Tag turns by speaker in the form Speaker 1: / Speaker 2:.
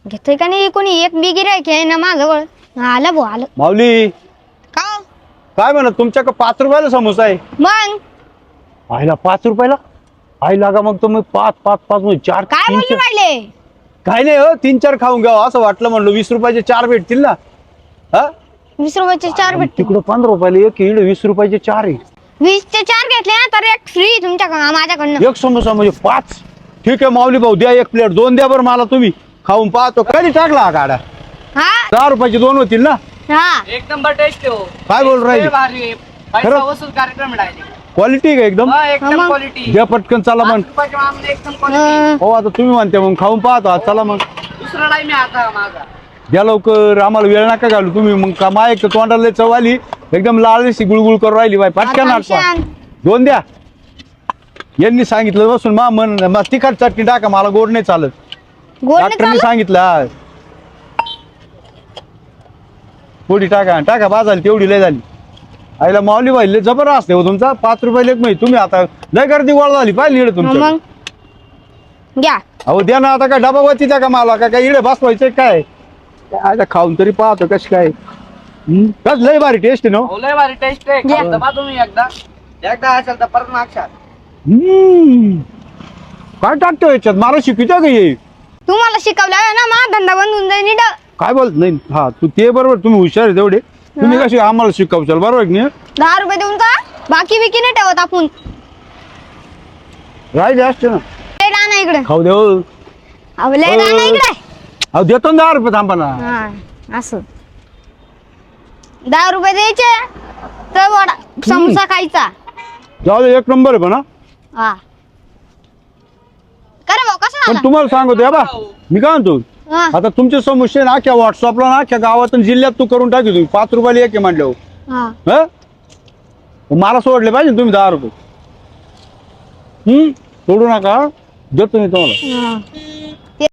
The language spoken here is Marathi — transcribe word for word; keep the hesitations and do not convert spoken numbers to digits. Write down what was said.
Speaker 1: घेतोय का नाही कोणी एक बी गिरायक आहे ना माझ्याजवळ. आलं भाऊ आलं.
Speaker 2: माऊली
Speaker 1: का हो?
Speaker 2: काय म्हणत तुमच्याकडे पाच रुपयाला समोसा आहे?
Speaker 1: मग
Speaker 2: आईला पाच रुपयाला? आई लागा मग तुम्ही पाच पाच पाच म्हणजे चार
Speaker 1: काय
Speaker 2: तीन
Speaker 1: बोलू
Speaker 2: चार-
Speaker 1: राहिले?
Speaker 2: काय नाही हो, तीन चार खाऊन घ्यावं असं वाटलं म्हणलं. वीस रुपयाचे चार भेटतील ना? हा
Speaker 1: वीस रुपयाचे चार भेटते.
Speaker 2: तिकडं पंधरा रुपयाला एक, इकडे वीस रुपयाचे चार आहे.
Speaker 1: वीस चे चार घेतले ना तर एक फ्री तुमच्या माझ्याकडनं.
Speaker 2: एक समोसा म्हणजे पाच. ठीक आहे माऊली भाऊ, द्या एक प्लेट. दोन द्या बरं मला, तुम्ही खाऊन पाहतो. कधी टाकला हा गाडा?
Speaker 1: हा
Speaker 2: दहा रुपयाचे दोन होतील ना?
Speaker 1: हा
Speaker 3: एक नंबर टेस्ट हो.
Speaker 2: काय बोल राहिली?
Speaker 3: भारी आहे. पैसा
Speaker 2: खरं?
Speaker 3: वसूल कार्यक्रम आहे.
Speaker 2: क्वालिटी का एकदम?
Speaker 3: हा, एकदम
Speaker 1: मग.
Speaker 3: क्वालिटी.
Speaker 2: द्या पटकन, चला मग.
Speaker 3: एकदम क्वालिटी.
Speaker 1: अं,
Speaker 2: हो आता तुम्ही म्हणते मग खाऊन पाहतो आज. चला मग
Speaker 3: दुसरा टाइम आहे आता माझा.
Speaker 2: द्या लवकर, आम्हाला वेळ नका घालू तुम्ही. मग का माय एक तोंडाला लय चव आली, एकदम लाल दिसती, गुळगुळ करून राहिली बाई. पटकन
Speaker 1: आता
Speaker 2: आटवा.
Speaker 1: शांत.
Speaker 2: दोन द्या. यांनी सांगितलं बसून मा मन मग तिखट चटणी टाका, मला गोड नाही चालत.
Speaker 1: गोड नाही
Speaker 2: डॉक्टरनी
Speaker 1: चालत?
Speaker 2: सांगितलं. हा. पोडी टाका टाका, बाजाली तेवढी लय झाली. आईला माऊली बाई लय जबरदस्त आहे हो तुमचा. पाच रुपये एक माहिती तुम्ही आता लय गर्दी गोळा झाली पाहिजे इकडे
Speaker 1: हा,
Speaker 2: तुमच्या.
Speaker 1: मग घ्या.
Speaker 2: अहो द्या ना आता. काय डबा वरती द्या का मला? का काय इकडे बसवायचं काय? काय आता खाऊन तरी पाहतो कशी काय. हम्म? कस लय भारी टेस्ट आहे ना हो?
Speaker 3: हो, लय भारी टेस्ट आहे.
Speaker 1: या.
Speaker 3: खाऊन तर पहा तुम्ही एकदा. एकदा असेल तर परत मागशाल.
Speaker 2: हम्म. काय टाकतो याच्यात? मला शिकवतो का ये?
Speaker 1: तुम्हाला शिकवलं ना मा धंदा बंद होऊन जाईल नीट.
Speaker 2: काय बोल नाही. हा तू ते बरोबर, तुम्ही हुशार आहे तेवढे. तुम्ही कशी आम्हाला शिकवशाल बरोबर आहे की नाही?
Speaker 1: दहा रुपये देऊन का बाकी विकी नाही ठेवत आपण.
Speaker 2: राहिले असते ना.
Speaker 1: लय राणा इकडे.
Speaker 2: खाऊ देऊ.
Speaker 1: अहो लय राणा इकडे.
Speaker 2: अहो देतो ना दहा रुपये, थांबा ना.
Speaker 1: हा असं दहा रुपये द्यायचे तर वडा समोसा खायचा.
Speaker 2: जाऊ दे, एक नंबर आहे पण हा.
Speaker 1: हा करे भाऊ कसं
Speaker 2: पण
Speaker 1: झालं?
Speaker 2: तुम्हाला सांगतो या बा, मी काय म्हणतो
Speaker 1: हा,
Speaker 2: आता तुमचे समस्या ना अख्ख्या व्हॉट्सअपला ना अख्ख्या गावातून जिल्ह्यात तू करून टाकी तुम्ही. पाच रुपयाला एक आहे म्हणल्यावर.
Speaker 1: हा.
Speaker 2: हं? मला सोडले पाहिजे ना तुम्ही दहा रुपये. हम्म सोडू नका, देतो मी तुम्हाला.
Speaker 1: हा.